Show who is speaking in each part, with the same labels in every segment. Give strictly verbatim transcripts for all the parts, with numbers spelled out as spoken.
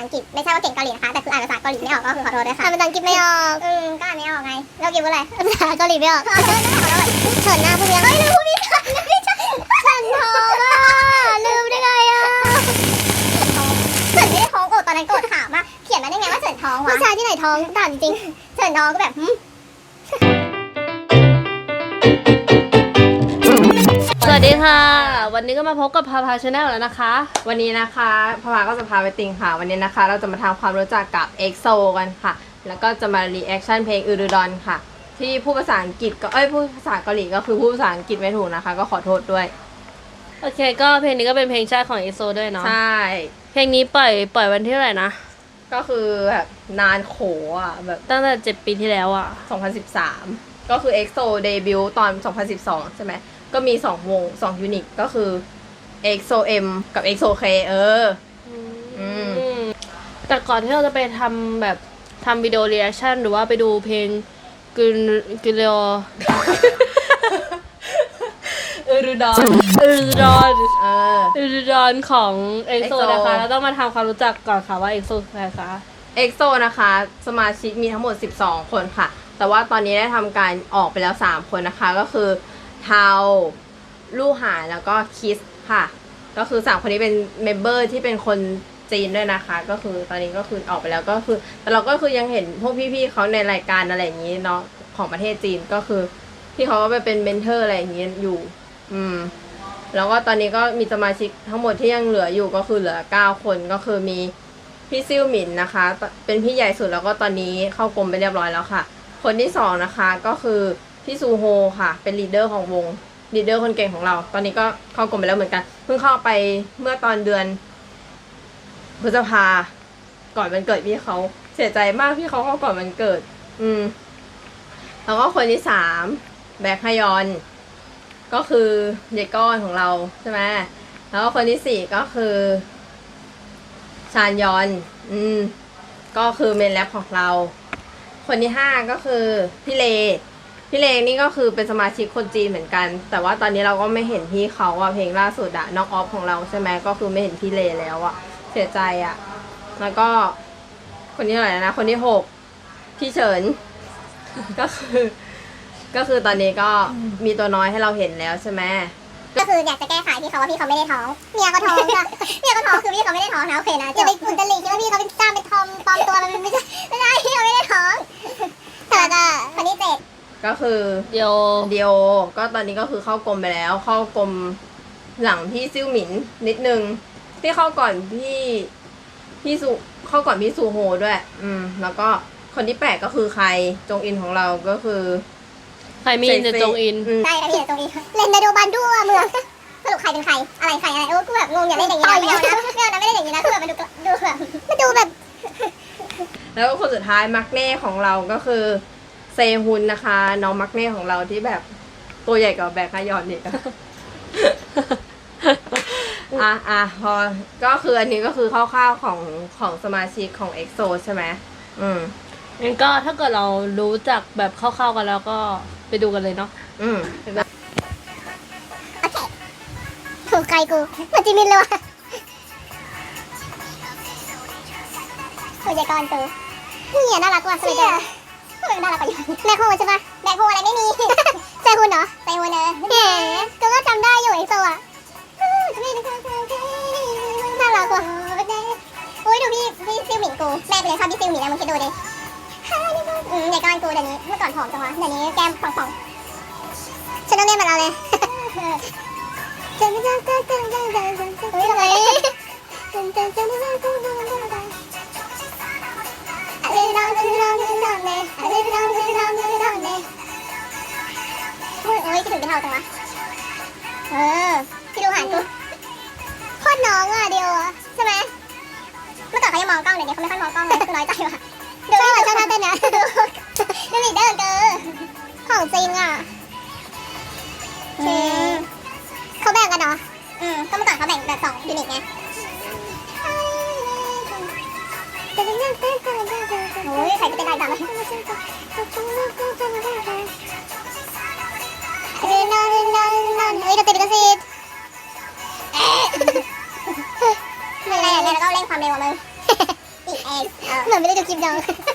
Speaker 1: อังกฤษไม่ใช่ว่าเก่งเกาหลีนะคะแต่คืออ่านภาษาเกาหลีไม่ออกก็คือขอโทษด้วยค่ะอ่านภาษาอังกฤษไม่ออกอืมก็อ่านไม่ออกไงเรากินอะไรภาษาเกาหลีไม่ออกเฉินหน้าพูดยังเฮ้ยลืมพูดไม่ทันไม่ใช่เฉินท้องอ่ะลืมได้ไงอ่ะเฉินไม่ได้ท้องโกรธตอนนั้นโกรธถามว่าเขียนมาได้ไงว่าเฉินท้องวะผู้ชายที่ไหนท้องถามจริงเฉินท้องก็แบบ
Speaker 2: สวัสดีค่ะวันนี้ก็มาพบกับพาพาชาแนลแล้วนะคะ
Speaker 3: วันนี้นะคะพาพาก็จะพาไปติงค่ะวันนี้นะคะเราจะมาทำความรู้จักกับ เอ็กโซ กันค่ะแล้วก็จะมารีแอคชั่นเพลงอืรุดอนค่ะที่พูดภาษาอังกฤษก็เอ้ยพูดภาษาเกาหลีก็คือพูดภาษาอังกฤษไม่ถูกนะคะก็ขอโทษด้วย
Speaker 2: โอเคก็เพลงนี้ก็เป็นเพลงชาติของ เอ็กโซ ด้วยเนาะ
Speaker 3: ใช่
Speaker 2: เพลงนี้ปล่อยปล่อยวันที่เท่าไหร่นะ
Speaker 3: ก็คือแบบนานโขอ่ะแบบ
Speaker 2: ตั้งแต่เจ็ดปีที่แล้วอ่ะ
Speaker 3: สองพันสิบสามก็คือ เอ็กโซ เดบิวต์ตอนสองพันสิบสองใช่ไหมก็มีสองวงสองยูนิตก็คือ เอ็กโซ เอ็ม กับ เอ็กโซ เค เอออืม
Speaker 2: แต่ก่อนที่เราจะไปทำแบบทำวิดีโอรีแอคชั่นหรือว่าไปดูเพลงกุนกุเลโอ
Speaker 3: อืรุดอน
Speaker 2: อืรุดอน
Speaker 3: เออ
Speaker 2: อืรุดอนของ เอ็กโซ นะคะเราต้องมาทำความรู้จักก่อนค่ะว่า เอ็กโซ คือใครคะ
Speaker 3: เอ็กโซ นะคะสมาชิกมีทั้งหมดสิบสองคนค่ะแต่ว่าตอนนี้ได้ทำการออกไปแล้วสามคนนะคะก็คือเทาลู่หานแล้วก็คิสค่ะก็คือสามคนนี้เป็นเมมเบอร์ที่เป็นคนจีนด้วยนะคะก็คือตอนนี้ก็คือออกไปแล้วก็คือแต่เราก็คือยังเห็นพวกพี่ๆเขาในรายการอะไรอย่างนี้เนาะของประเทศจีนก็คือพี่เขาก็ไปเป็นเมนเทอร์อะไรอย่างนี้อยู่อืมแล้วก็ตอนนี้ก็มีสมาชิกทั้งหมดที่ยังเหลืออยู่ก็คือเหลือเก้าคนก็คือมีพี่ซิ่วหมินนะคะเป็นพี่ใหญ่สุดแล้วก็ตอนนี้เข้ากรมไปเรียบร้อยแล้วค่ะคนที่สองนะคะก็คือพี่ซูโฮค่ะเป็นลีดเดอร์ของวงลีดเดอร์คนเก่งของเราตอนนี้ก็เข้ากรมไปแล้วเหมือนกันเพิ่งเข้าไปเมื่อตอนเดือนพฤษภาก่อนวันเกิดพี่เขาเสียใจมากพี่เขาเข้าก่อนวันเกิดอืมแล้วก็คนที่สามแบ็คฮยอนก็คือยายก้อนของเราใช่ไหมแล้วก็คนที่สี่ก็คือชานยอนอืมก็คือเมนแรปของเราคนที่ห้าก็คือพี่เลพี่เลนี่ก็คือเป็นสมาชิกคนจีนเหมือนกันแต่ว่าตอนนี้เราก็ไม่เห็นพี่เขาอะเพลงล่าสุดอะน้องออฟของเราใช่ไหมก็คือไม่เห็นพี่เลแล้วอะเสียใจอะแล้วก็คนที่เท่าไหร่นะคนที่หกพี่เฉินก็คือก็คือตอนนี้ก็มีตัวน้อยให้เราเห็นแล้วใช่ไหม
Speaker 1: ก็คืออยากจะแก้ไขพี่เขาว่าพี่เขาไม่ได้ท้องเมียเขาท้องจ้ะเมียเขาท้องคือพี่เขาไม่ได้ท้องนะโอเคนะจะไปอุนตลิคิดว่าพี่เขาเป็นจ้าเป็นทอมปลอมตัวมันไม่ใช่ไม่ได้พี่เขาไม่ได้ท้องแต่ก็คนที่เจ็ด
Speaker 3: ก็คือ
Speaker 2: เดียว
Speaker 3: เดียวก็ตอนนี้ก็คือเข้ากรมไปแล้วเข้ากรมหลังพี่ซิ่วหมินนิดนึงที่เข้าก่อนพี่พี่สุเข้าก่อนพี่ซูโฮด้วยอืมแล้วก็คนที่แปดก็คือใครจงอินของเราก็คือ
Speaker 2: ใครมีนจงอิน
Speaker 1: ใช่ค่ะพี่จงอินเล่นในดูบันด้วยเมืองสรุปใครเป็นใครอะไรใครอะไรโอ้กูแบบงงอย่าเล่นอย่างนี้นะไม่เอานะไม่เอานะไม่เล่นอย่างนี้นะคือแบบมันดูดูแบบมันดูแบบ
Speaker 3: แล้วก็คนสุดท้ายมักเน่ของเราก็คือเซฮุนนะคะน้องมักเน่ของเราที่แบบตัวใหญ่กว่าแบกฮยอนอีกอ่ะอ่ะพอก็คืออันนี้ก็คือคร่าวๆของของสมาชิกของ เอ็กโซ ใช่ไหมอืม
Speaker 2: งั้นก็ถ้าเกิดเรารู้จักแบบคร่าวๆกันแล้วก็ไปดูกันเลยเนาะ
Speaker 3: อืม
Speaker 1: โอเคถูกใจกูมันจิมินเลยว่ะตัวใหญ่ก่อนตัวเนี่ยน่ารักว่ะสวยจังทำไมน่ารักกว่าแบคโฮใช่ปะแบคโฮอะไรไม่มีเซฮุนเหรอเซฮุนเออแหมก็ก็จำได้อยู่เอ็กโซอ่ะน่ารักว่ะโอ้ยดูพี่พี่ซิลหมิงกูแม่ไปเลยชอบพี่ซิลหมิงนะมึงคิดดูดิอืมใหญ่ก้อนกูเดี๋ยวนี้เมื่อก่อนผอมจังวะเดี๋ยวนี้แก้มป่องๆฉันต้องเล่นเหมือนเราเลยเฮ้ยทำไมโอ้ยคิดถึงเป็นเท่าจังวะเออพี่ดูหานกูโคตรน้องอ่ะเดียวอ่ะใช่ไหมเมื่อก่อนเขายังมองกล้องเดี๋ยวนี้เขาไม่ค่อยมองกล้องเลยคือน้อยใจว่ะดูนี่เหมือนชอบท่าเต้นนะดูดูลีดเดอร์เกิร์ของจริงอ่ะเขาแบ่งกันเนาะอืมก็เมื่อก่อนเขาแบ่งแบบสองยูนิตไงโอ้ยใครจะเต้นได้จังเลยเฮ้ยนอนนอนนอนเฮ้ยเราเต้นกันสิเป็นไรอย่างเงี้ยแล้วก็เร่งความเร็วมึงเองเหมือนไม่ได้ดูคลิปเดียว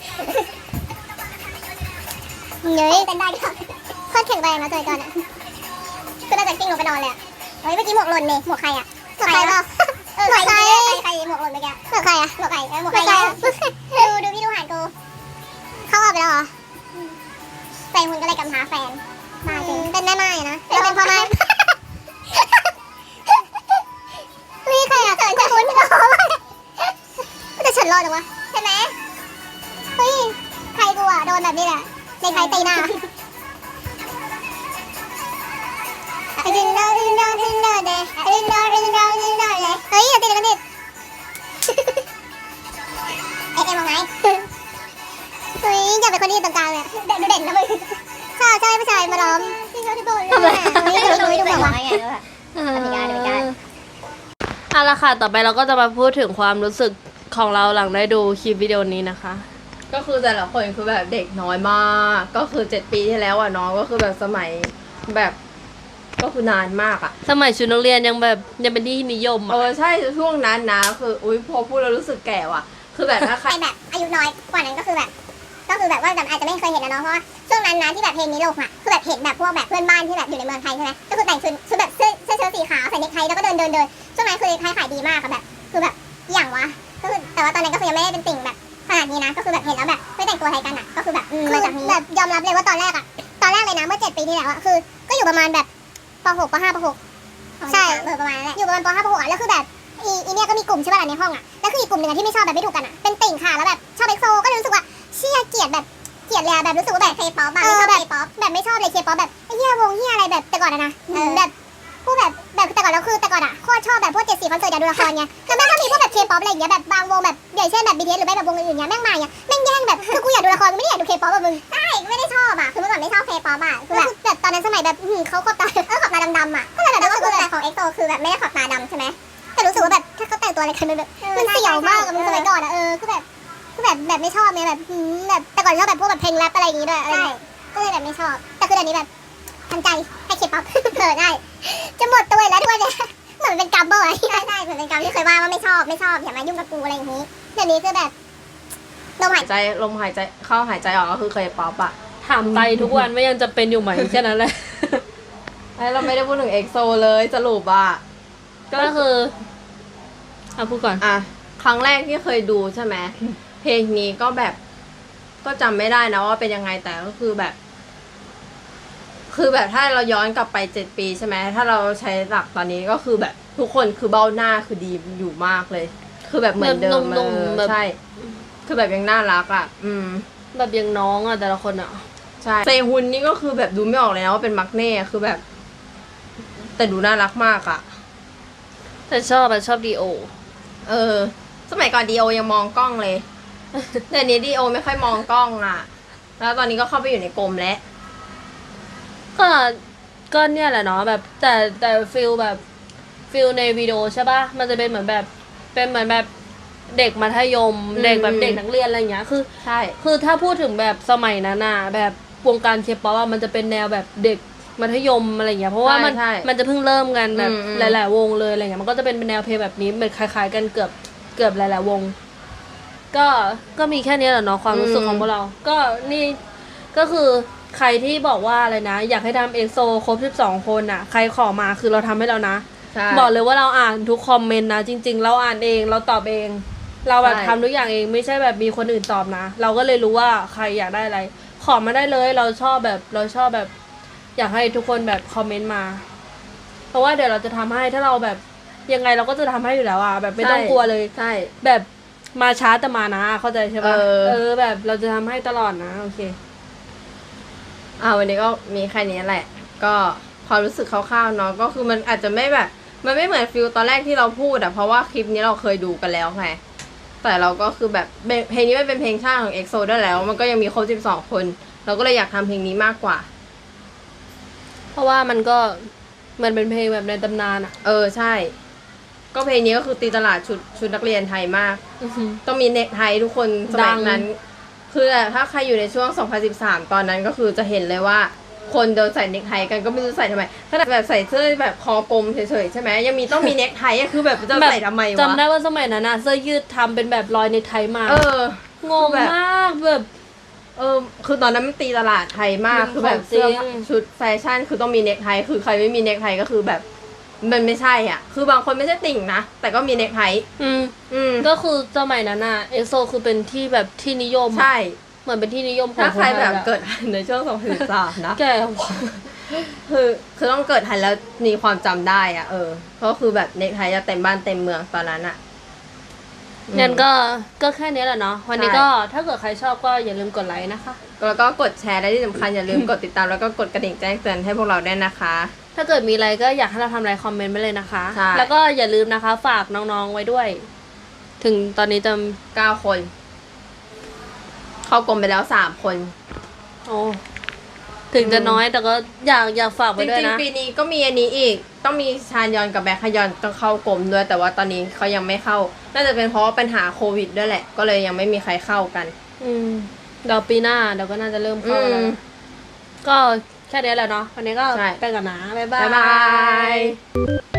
Speaker 1: เฮ้ยเต้นได้ก็โคตรแข็งแรงนะจอยก่อนอ่ะคือน่าจะกิ้งลงไปนอนเลยอ่ะเฮ้ยเมื่อกี้หมวกหล่นนี่หมวกใครอ่ะหมวกใครเปล่าเออใครใครใครหมวกหล่นเมื่อกี้หมวกใครอ่ะหมวกใครหมวกใครดูดูพี่ดูหานกูเขาออกไปแล้วเหรอแฟนคุณก็เลยกำท้าแฟนมาจริงเป็นแม่ไม้นะเป็นพ่อไม้เฮ้ยใครอ่ะเขินจะคุ้นเหรอแต่ฉันรอดจังวะใช่ไหมเฮ้ยใครกูอ่ะโดนแบบนี้แหละในใครตีหน้าดึงดาวดึงดาวดึงดาวเดดึงดาวดึงดาวดึงดาวเลยเฮ้ยอย่าตีกันดิเอ็มเอ็มมองไงเฮ้ยอย่าเป็นคนที่อยู่ตรงกลางเลยเด่นดูเด่นนะมึงใช่ใช่ผู้ชายมาล้อมจริงเขาที่โบนเลยนี่ดูดูดูแบบว่าไงด้วยอเมริกาอเมริกา
Speaker 2: เอาละค่ะต่อไปเราก็จะมาพูดถึงความรู้สึกของเราหลังได้ดูคลิปวิดีโอนี้นะคะ
Speaker 3: ก็คือแต่ละคนคือแบบเด็กน้อยมาก ก็คือเจ็ดปีที่แล้วอ่ะน้องก็คือแบบสมัยแบบก็คือนานมากอ่ะ
Speaker 2: สมัยชุดนักเรียนยังแบบยังเป็นที่นิยม
Speaker 3: เอ
Speaker 2: อ่ะ
Speaker 3: อใช่ช่วงนั้นนะคืออุ้ยพอพูดแล้วรู้สึกแก่ว่ะ คือแบบถ้าใคร
Speaker 1: ใครแบบอายุน้อยกว่านั้นก็คือแบบ ก็คือแบบว่าแบบอาจจะไม่เคยเห็นนะเนาะเพราะว่าช่วงนั้นนะที่แบบเพลงนี้ลงอ่ะคือแบบเห็นแบบพวกแบบเพื่อนบ้านที่แบบอยู่ในเมืองไทยใช่ไหมก็คือแต่งชุดชุดแบบเสื้อเสื้อเชิ้ตสีขาวใส่เนคไทแล้วก็เดินเดินเดินช่วงนั้นคือขายขายดีมากอะแบบคือแบบอย่างวะก็คือแต่ว่าตอนนั้นก็คือยังไม่ได้เป็นติ่งแบบขนาดนี้นะก็คือแบบเห็นแล้วแบบไม่แต่งตัวไทยกันอ่ะก็คือแบบมาจากนี้แบบยอมรับเลยว่าตอนแรกอ่ะตอนแรกเลยนะเมื่อเจ็ดปีที่แล้วอ่ะคือก็อยู่ประมาณแบบป .หก ป .ห้า ป .หก ใช่เออประมาณนั้นแหละอยู่ประมาณป .ห้า ป .หก อ่ะแล้วคือแบบอีอีเนี่ยก็มีกลุ่มใช่ป่ะในห้องอ่ะแล้วคืออีกกลุ่มหนึ่งที่ไม่ชอบแบบไม่ถูกกันอ่ะเป็นติ่งค่ะแล้วแบบชอบเอ็กโซก็เลยรู้สึกว่าเชี่ยเกลียดแบบเกลียดเลยแบบรู้สึกว่าแบบเคป๊อปแบบไม่ชอบเคป๊อปแบบไม่ชอบเลยเคป๊อปแบบไอ้เหี้ยวงเหี้ยอะไรแบบแต่ก่อนอะนะแบบพวกแบบแบบแต่ก่อนแล้วคือแต่ก่อนอ่ะโคตรชอบแบบพวกเจ็ดสีคอนเสิร์ตอยากดูละครไงแล้วแม่งก็มีพวกแบบเคป๊อปอะไรอย่างเงี้ยแบบบางวงแบบอย่างเช่นแบบ บี ที เอส หรือไม่แบบวงอื่นๆเงี้ยแม่งมาอย่างเงี้ยแม่งแย่งแบบคือกูอยากดูละครกูไม่ได้อยากดูเคป๊อปแบบมึงใช่ไม่ได้ชอบอ่ะคือเมื่อก่อนไม่ชอบเคป๊อปอ่ะคือแบบแบบตอนนั้นสมัยแบบเขาขอบตาเออขอบตาดำๆอ่ะก็เลยแบบรู้สึกว่าแต่ของเอ็กโซคือแบบไม่ได้ขอบตาดำใช่ไหมแต่รู้สึกว่าแบบถ้าเขาแต่งตัวอะไรกันมันแบบมันเสี่ยวมากอะมันสมัยก่อนอะเออคือแบบคือแบบแบบไม่ชอบไงแบบแบบแต่ก่อนชอบแบบพวกแบบเพลงแรปอะไรอย่างงี้ด้วยอะไรก็เลยแบบไม่ชอบแต่คือเดี๋ยวนี้แบบทันใจให้เคป๊อปเออได้จะหมดตัวแล้วทุกวันเนี่ยเหมือนเป็นกรรมบ่อยใช่ใช่เหมือนเป็นกรรมที่เคยว่าว่าไม่ชอบไม่ชอบอย่ามายุ่งกับกูอะไรอย่างนี้เดี๋ยวนี้คือแบบลมหาย
Speaker 3: หายใจลมหายใจเข้าหายใจออกก็คือเคยป๊อปอ่ะ
Speaker 2: ถามไตทุกวันไม่ยังจะเป็นอยู่ไหมแค่นั้นแหละ
Speaker 3: ไอ้เราไม่ได้พูดถึงเอ็กโซเลยสรุปอ่ะ
Speaker 2: ก็คือเอาพูดก่อน
Speaker 3: อ่ะครั้งแรกที่เคยดูใช่ไหมเพลงนี้ก็แบบก็จำไม่ได้นะว่าเป็นยังไงแต่ก็คือแบบ คือแบบถ้าเราย้อนกลับไปเจ็ดปีใช่ไหมถ้าเราใช้หลักตอนนี้ก็คือแบบทุกคนคือเบ้าหน้าคือดีอยู่มากเลย คือแบบเหมือนเดิม
Speaker 2: แบบนุ่มๆ
Speaker 3: เออ
Speaker 2: แบบ
Speaker 3: ใช่ คือแบบยังน่ารักอ่ะ อืม
Speaker 2: แบบยังน้องอ่ะแต่ละคนอ่ะ
Speaker 3: ใช่เซฮุนนี่ก็คือแบบดูไม่ออกเลยนะว่าเป็นมักเน่คือแบบ แต่ดูน่ารักมากอ่ะ
Speaker 2: แต่ชอบอะชอบดีโอ
Speaker 3: เออ สมัยก่อนดีโอยังมองกล้องเลย แต่นี้ดีโอไม่ค่อยมองกล้องอ่ะ แล้วตอนนี้ก็เข้าไปอยู่ในกรมแล้ว
Speaker 2: ก็ก็เนี่ยแหละเนาะแบบแต่แต่ฟิลแบบฟิลในวิดีโอใช่ปะมันจะเป็นเหมือนแบบเป็นเหมือนแบบเด็กมัธยม
Speaker 3: อืม
Speaker 2: เด็กแบบเด็กนักเรียนอะไรอย่างเงี้ยคือ
Speaker 3: ใช่
Speaker 2: คือถ้าพูดถึงแบบสมัยนั้นน่ะแบบวงการเคป๊อปอะมันจะเป็นแนวแบบเด็กมัธยมอะไรอย่างเงี้ยเพราะว่ามัน
Speaker 3: ใช่
Speaker 2: มันจะเพิ่งเริ่มกันแบบ
Speaker 3: อืมอืม
Speaker 2: หลาย ๆ วงเลยอะไรเงี้ยมันก็จะเป็นแนวเพลงแบบนี้เหมือนคล้าย ๆ กันเกือบเกือบหลาย ๆ วง ก็ก็มีแค่นี้แหละเนาะความรู้สึกของพวกเรา ก็นี่ก็คือใครที่บอกว่าอะไรนะ อยากให้ทำเอ็กโซครบสิบสองคนน่ะใครขอมาคือเราทำให้แล้วนะ
Speaker 3: ใช่
Speaker 2: บอกเลยว่าเราอ่านทุกคอมเมนต์นะจริง ๆ เราอ่านเองเราตอบเอง เราแบบ
Speaker 3: ใช่
Speaker 2: ทำทุกอย่างเองไม่ใช่แบบมีคนอื่นตอบนะ เราก็เลยรู้ว่าใครอยากได้อะไร ขอมาได้เลยเราชอบแบบเราชอบแบบ อยากให้ทุกคนแบบคอมเมนต์มา เพราะว่าเดี๋ยวเราจะทำให้ถ้าเราแบบยังไงเราก็จะทำให้อยู่แล้วอ่ะแบบไม่ต้องกลัวเลย
Speaker 3: ใช่
Speaker 2: แบบมาช้าแต่มานะเข้าใจใช่ปะ
Speaker 3: เออ
Speaker 2: เออแบบเราจะทำให้ตลอดนะโอเค
Speaker 3: อ่าวันนี้ก็มีแค่นี้แหละ ก็ความรู้สึกคร่าวๆเนาะก็คือมันอาจจะไม่แบบ มันไม่เหมือนฟิลตอนแรกที่เราพูดอะเพราะว่าคลิปนี้เราเคยดูกันแล้วไงแต่เราก็คือแบบเพลงนี้มันเป็นเพลงชาติของ เอ็กโซ ด้วยแล้ว มันก็ยังมีครบสิบสองคน เราก็เลยอยากทำเพลงนี้มากกว่า
Speaker 2: เพราะว่ามันก็มันเป็นเพลงแบบในตำนานอ่ะ
Speaker 3: เออใช่ ก็เพลงนี้ก็คือตีตลาดชุดชุดนักเรียนไทยมาก
Speaker 2: อื้อหือ
Speaker 3: ต้องมีเน็กไททุกคนสมัยนั้น คือถ้าใครอยู่ในช่วงสองพันสิบสามตอนนั้นก็คือจะเห็นเลยว่าคนเดินใส่เนคไทกันก็ไม่รู้ใส่ทำไมขนาดแบบใส่เสื้อแบบคอกลมเฉยๆใช่ไหมยังมีต้องมีเนคไทอะคือแบบจะใส่ทำไมวะ
Speaker 2: จำได้ว่าสมัยนั้นนะเสื้อยืดทำเป็นแบบรอยในไทยมา
Speaker 3: เออ
Speaker 2: งงมากแบบ
Speaker 3: เออคือตอนนั้นมันตีตลาดไทยมาก
Speaker 2: มัน
Speaker 3: คือแบบ
Speaker 2: ของจริง
Speaker 3: เสื้อชุดแฟชั่นคือต้องมีเนคไทคือใครไม่มีเนคไทก็คือแบบมันไม่ใช่อ่ะคือบางคนไม่ใช่ติ่งนะแต่ก็มีเนคไท
Speaker 2: อืม
Speaker 3: อืม
Speaker 2: ก็คือสมัยนั้นอะเอโซคือเป็นที่แบบที่นิยมอะ
Speaker 3: ใช่
Speaker 2: เหมือนเป็นที่นิยมของ
Speaker 3: ถ้าใครแบบ
Speaker 2: นไทยอะ
Speaker 3: เกิดในช่วงสองพันสิบสามนะ
Speaker 2: แกว่ะ
Speaker 3: คือคือต้องเกิดทันแล้วมีความจำได้อ่ะเออก็คือแบบเนคไทจะเต็มบ้านเต็มเมืองตอนนั้นอ่ะ
Speaker 2: งั้นก็ก็แค่นี้แหละเนาะวันนี้
Speaker 3: ใช่
Speaker 2: ก็ถ้าเกิดใครชอบก็อย่าลืมกดไลค์นะคะ
Speaker 3: แล้วก็กดแชร์และที่สำคัญอย่าลืมกดติดตามแล้วก็กดกระดิ่งแจ้งเตือนให้พวกเราด้วยนะคะ
Speaker 2: ถ้าเกิดมีอะไรก็อยากให้เราทำอะไรคอมเมนต์ไปเลยนะคะ
Speaker 3: ใช่
Speaker 2: แล้วก็อย่าลืมนะคะฝากน้องๆไว้ด้วย ถึงตอนนี้จะ
Speaker 3: เก้าคน เข้ากรมไปแล้วสามคน
Speaker 2: โอ้ถึงจะน้อยแต่ก็อยากอยากฝาก
Speaker 3: จ
Speaker 2: ไว้ด้วย
Speaker 3: ริง
Speaker 2: นะ
Speaker 3: ๆปีนี้ก็มีอันนี้อีก ต้องมีชานยอนกับแบ็คฮยอนต้องเข้ากรมด้วย แต่ว่าตอนนี้เขายังไม่เข้า น่าจะเป็นเพราะว่าปัญหาโควิดด้วยแหละ ก็เลยยังไม่มีใครเข้ากัน
Speaker 2: อืมเดี๋ยวปีหน้าเดี๋ยวก็น่าจะเริ่มเข้าแล้ว
Speaker 3: อืม
Speaker 2: ก็แค่นี้แหละเนาะวันนี้ก็
Speaker 3: ใช่
Speaker 2: ไปก่อนนะบ๊ายบา
Speaker 3: บ๊าย ยบาย